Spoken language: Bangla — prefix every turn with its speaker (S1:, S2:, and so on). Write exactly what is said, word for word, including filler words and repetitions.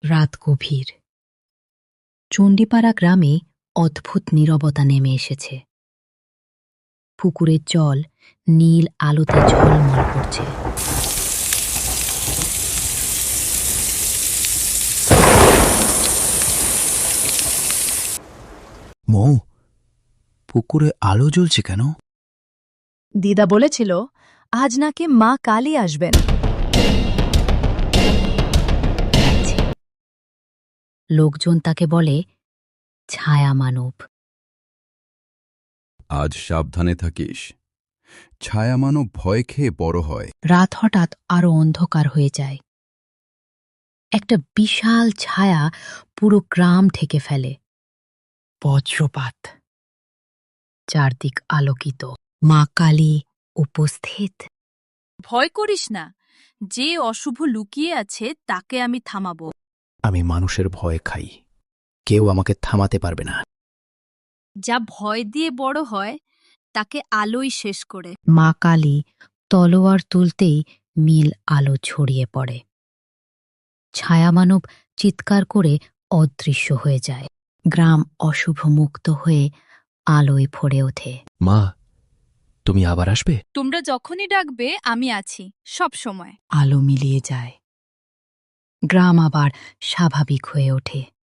S1: রাত গভীর। চণ্ডীপাড়া গ্রামে অদ্ভুত নীরবতা নেমে এসেছে। পুকুরের জল নীল আলোতে ঝলমল করছে।
S2: মৌ, পুকুরে আলো জ্বলছে কেন?
S3: দিদা বলেছিল আজ নাকি মা কালী আসবেন।
S1: লোকজন তাকে বলে ছায়া মানব।
S4: আজ সাবধানে থাকিস, ছায়া মানব ভয় খেয়ে বড় হয়।
S1: রাত হঠাৎ আরো অন্ধকার হয়ে যায়। একটা বিশাল ছায়া পুরো গ্রাম ঢেকে ফেলে।
S2: বজ্রপাত।
S1: চারদিক আলোকিত, মা কালী উপস্থিত।
S5: ভয় করিস না, যে অশুভ লুকিয়ে আছে তাকে আমি থামাবো।
S2: আমি মানুষের ভয় খাই, কেউ আমাকে থামাতে পারবে না।
S5: যা ভয় দিয়ে বড় হয় তাকে আলোই শেষ করে।
S1: মা কালী তলোয়ার তুলতেই নীল আলো ছড়িয়ে পড়ে। ছায়ামানব চিৎকার করে অদৃশ্য হয়ে যায়। গ্রাম অশুভ মুক্ত হয়ে আলোয় ভরে ওঠে।
S2: মা, তুমি আবার আসবে?
S5: তোমরা যখনই ডাকবে আমি আছি, সব সময়।
S1: আলো মিলিয়ে যায়। গ্রাম আবার স্বাভাবিক হয়ে ওঠে।